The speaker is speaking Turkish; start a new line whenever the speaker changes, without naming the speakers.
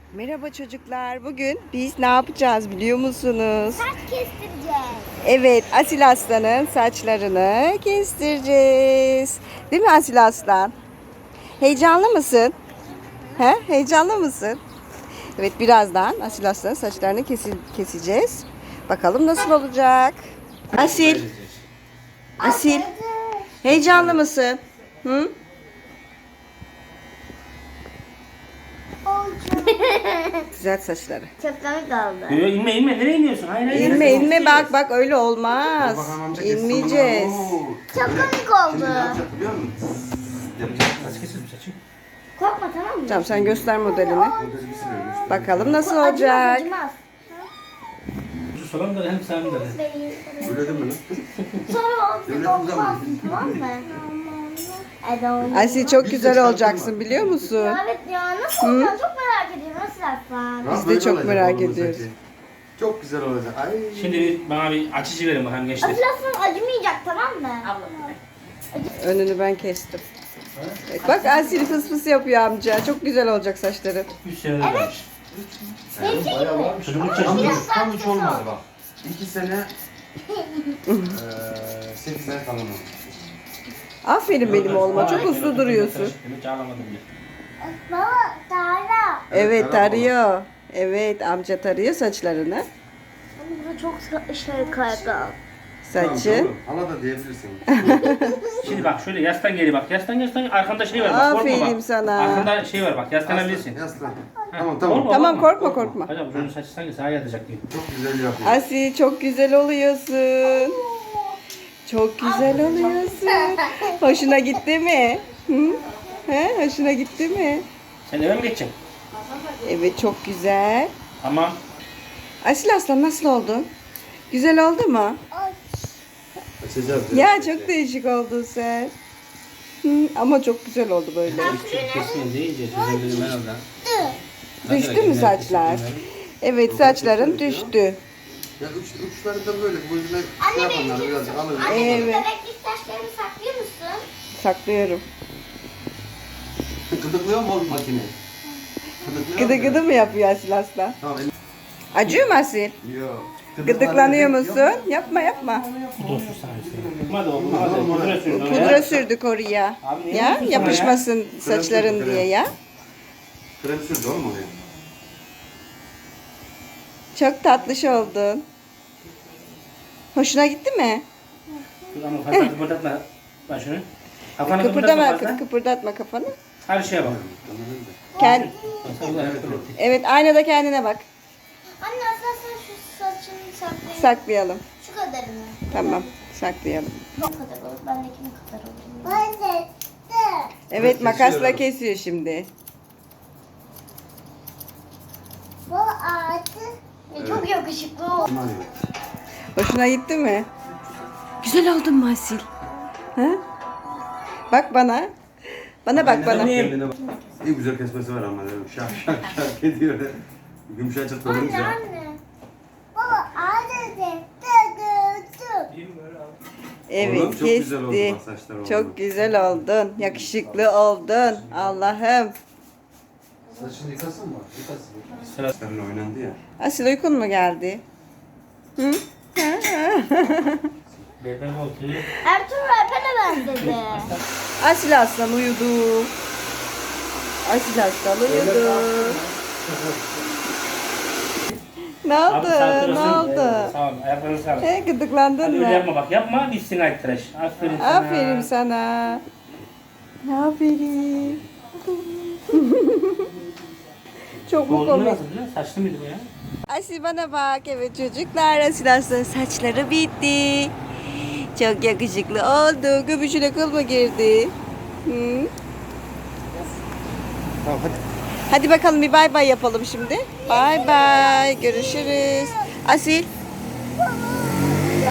Merhaba çocuklar. Bugün biz ne yapacağız biliyor musunuz?
Saç kestireceğiz.
Evet, Asil Aslan'ın saçlarını kestireceğiz. Değil mi Asil Aslan? Heyecanlı mısın? He? Heyecanlı mısın? Evet, birazdan Asil Aslan'ın saçlarını keseceğiz. Bakalım nasıl olacak? Asil. Asil. Heyecanlı mısın? Hı? Düzelt saçları.
Çok komik oldu.
Yok inme nereye iniyorsun? Hayır.
İnme bak öyle olmaz. İnmeyeceğiz.
Çok komik oldu.
Biliyor musun?
Saç kesildi saçı.
Korkma tamam mı?
Tamam sen göster modelini. Bakalım nasıl olacak.
Acımaz.
Şu soran da hem sen de.
Öyle değil mi lan?
Sonra olsun korkmazsın tamam mı?
Asil çok güzel olacaksın biliyor musun?
Evet ya nasıl olacak çok merak ediyorum nasıl yapsan.
Biz de çok merak ediyoruz.
Çok güzel olacak. Ay.
Şimdi bana bir açıcı verin bakalım gençler.
Acılasın acımayacak tamam mı?
Önünü ben kestim. Evet, bak Asil fıs fıs yapıyor amca. Çok güzel olacak saçları.
3 senedir varmış.
Benimki gibi.
Çocukluk
Tam
çağında.
hiç, tam hiç olmadı bak. 2 sene 8 ay falan oldu.
Aferin benim oğluma. Çok uslu duruyorsun.
Demek ki ağlamadım bile.
Baba Tara.
Evet tarıyor. Evet amca tarıyor saçlarını.
Burada çok şey kaydı.
Saçı.
Hala da diyebilirsin.
Şimdi bak şöyle yastan geri bak. Yastan arkanda şey var bak. Korkma
Aferin
bak.
sana.
Arkanda şey var bak. Yaslanabilirsin.
Yaslan. Tamam tamam.
Tamam korkma.
Hocam çocuğun saçı sanki sağa yatacak diyor.
Çok güzel yapıyor.
Asil çok güzel oluyorsun. Çok güzel oluyorsun. Hoşuna gitti mi? Hı? He, hoşuna gitti mi?
Sen eve mi geçeceksin?
Evet çok güzel.
Tamam.
Asil Aslan nasıl oldun? Güzel oldu mu?
Açacağız.
Ya çok değişik oldun sen. Hı, ama çok güzel oldu böyle.
Kesin deyince çocuğun dedim herhalde.
Düştü mü saçlar? Evet saçların düştü.
Ya uçları da böyle bu yüzden şey
Anne
yapanlar
benimki
birazcık alır.
Anne benim
Evet.
bebeklik saçlarımı saklıyor musun?
Saklıyorum.
Gıdıklıyor mu oğlum makine?
Gıdı gıdı mı yapıyor Asil Aslan?
Tamam.
Acıyor mu Asil?
Yok.
Gıdıklanıyor musun? Yapma.
Pudra sür sana istedim. Hadi oğlum hadi. Pudra sür.
Pudra sürdük oraya.
Abi niye
Ya
yapıyorsun
yapışmasın saçların diye ya.
Krem sürdü oğlum oraya.
Çok tatlış oldun. Hoşuna gitti mi?
Dur ama fazla kıpırdatma. Bak şunu. Kafanı
Kıpırdama,
fazla.
kıpırdatma kafanı.
Her şeye bak.
Evet aynada kendine bak.
Anne aslında sen şu saçını saklayın.
Saklayalım.
Şu kadarını.
Tamam saklayalım.
Bu kadar olur. Bendekinin kadar olur. Ben de.
Evet makasla kesiyor şimdi.
Bu ağacı. Çok yakışıklı oldu.
Hoşuna gitti mi? Güzel oldun mu Asil? Ha? Bak bana. Bana bak bana.
Kendine bak. İyi güzel kesmesi var ama. Şak şak ediyor. Yumuşacık da olunca.
Anne. Baba ağacı de.
Evet
Oğlum, çok güzel oldu
kesti.
bak, saçlar oldu.
Çok güzel oldun. Yakışıklı oldun. Allah'ım.
Saçını yıkasın mı? Yıkasın.
Sıra.
Saçlarla oynandı ya.
Asil uykun mu geldi? Hı?
Berber koltuğu.
Ertuğrul Alper'e benzedi.
Asil Aslan uyudu. Asil Aslan uyudu. Ne oldu?
Abi sağ
Ne oldu?
Sağ ol. Ayaklarını sağ ol.
He, gıdıklandın
Hadi öyle
mı?
yapma bak. Yapma gitsin ay tıraş. Aferin sana.
Aferin sana. Aferin. Çok mu
Boğazını
komik?
nasıl biliyor musun? Saçlı mıydı bu ya?
Asil bana bak. Evet çocuklar Asil Aslan'ın saçları bitti. Çok yakışıklı oldu. Göbüşüne kıl mı girdi? Hı?
Tamam hadi.
Hadi bakalım bir bay bay yapalım şimdi. Bay bay. Görüşürüz. Asil.